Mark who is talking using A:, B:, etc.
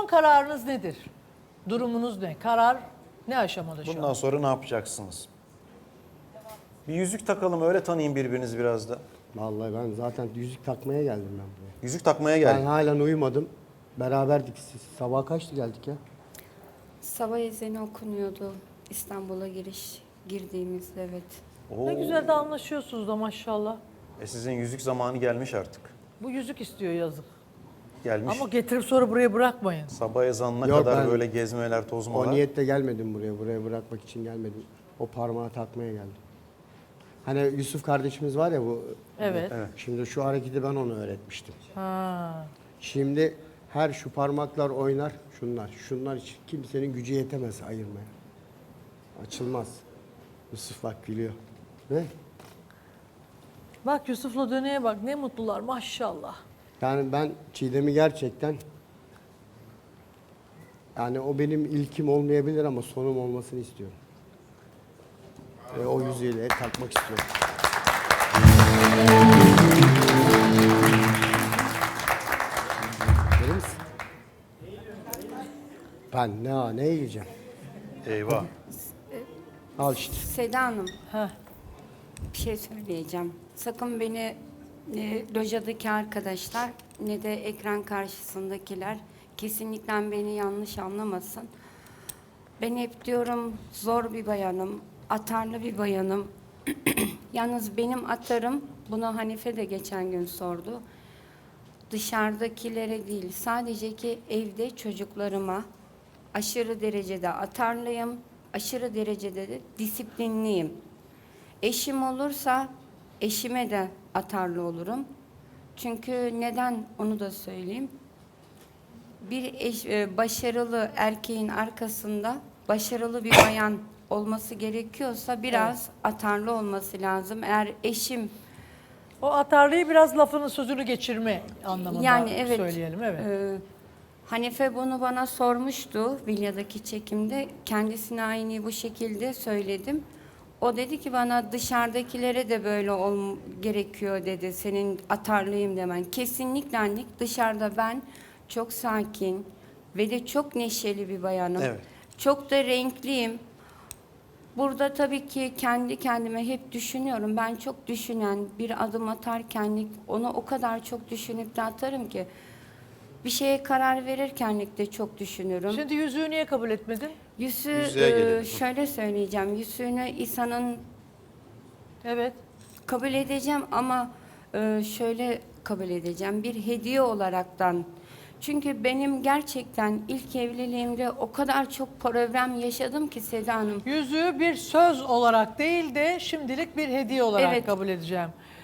A: Son kararınız nedir? Durumunuz ne? Karar ne aşamada şu an?
B: Bundan sonra ne yapacaksınız? Bir yüzük takalım, öyle tanıyın birbirinizi biraz da.
C: Vallahi ben zaten yüzük takmaya geldim ben buraya.
B: Yüzük takmaya
C: Ben
B: geldik.
C: halen uyumadım. Beraberdik siz. Sabah kaçtı geldik ya?
D: Sabah ezanı okunuyordu İstanbul'a girdiğimizde, evet.
B: Oo.
A: Ne güzel de anlaşıyorsunuz da maşallah.
B: Sizin yüzük zamanı gelmiş artık.
A: Bu yüzük istiyor yazık.
B: Gelmiş.
A: Ama getirip sonra buraya bırakmayın.
B: Sabah ezanına
C: Yok,
B: kadar
C: ben
B: böyle gezmeler, tozmalar.
C: O niyetle gelmedim buraya. Buraya bırakmak için gelmedim. O parmağı takmaya geldim. Hani Yusuf kardeşimiz var ya bu.
A: Evet.
C: Şimdi şu hareketi ben ona öğretmiştim.
A: Ha.
C: Şimdi her şu parmaklar oynar. Şunlar için kimsenin gücü yetemez ayırmaya. Açılmaz. Yusuf bak gülüyor. Ne?
A: Bak Yusuf'la Döne'ye bak ne mutlular maşallah.
C: Yani ben Çiğdem'i gerçekten, yani o benim ilkim olmayabilir ama sonum olmasını istiyorum. Ve o yüzüğüyle takmak istiyorum. Verir misin? Ben ne yiyeceğim?
B: Eyvah.
C: Al işte.
D: Seda Hanım,
A: Heh.
D: bir şey söyleyeceğim. Sakın beni lojadaki arkadaşlar ne de ekran karşısındakiler kesinlikle beni yanlış anlamasın. Ben hep diyorum zor bir bayanım, atarlı bir bayanım. Yalnız benim atarım, bunu Hanife de geçen gün sordu. Dışarıdakilere değil, sadece ki evde çocuklarıma aşırı derecede atarlıyım, aşırı derecede de disiplinliyim. Eşim olursa eşime de atarlı olurum. Çünkü neden onu da söyleyeyim. Bir başarılı erkeğin arkasında başarılı bir bayan olması gerekiyorsa biraz atarlı olması lazım. Eğer eşim
A: O atarlıyı biraz lafının sözünü geçirme anlamında
D: yani evet,
A: söyleyelim. Evet.
D: Hanife bunu bana sormuştu Vilya'daki çekimde. Kendisine aynı bu şekilde söyledim. O dedi ki bana dışarıdakilere de böyle gerekiyor dedi. Senin atarlıyım demen. Kesinlikle annelik. Dışarıda ben çok sakin ve de çok neşeli bir bayanım.
B: Evet.
D: Çok da renkliyim. Burada tabii ki kendi kendime hep düşünüyorum. Ben çok düşünen, bir adım atarken onu o kadar çok düşünüp de atarım ki bir şeye karar verirken de çok düşünürüm.
A: Şimdi yüzüğü niye kabul etmedin?
B: Yüzüğe gelelim.
D: Şöyle söyleyeceğim. Yüzüğünü İsa'nın
A: Evet.
D: kabul edeceğim ama şöyle kabul edeceğim. Bir hediye olaraktan. Çünkü benim gerçekten ilk evliliğimde o kadar çok problem yaşadım ki Seda Hanım.
A: Yüzüğü bir söz olarak değil de şimdilik bir hediye olarak
D: Evet.
A: kabul edeceğim.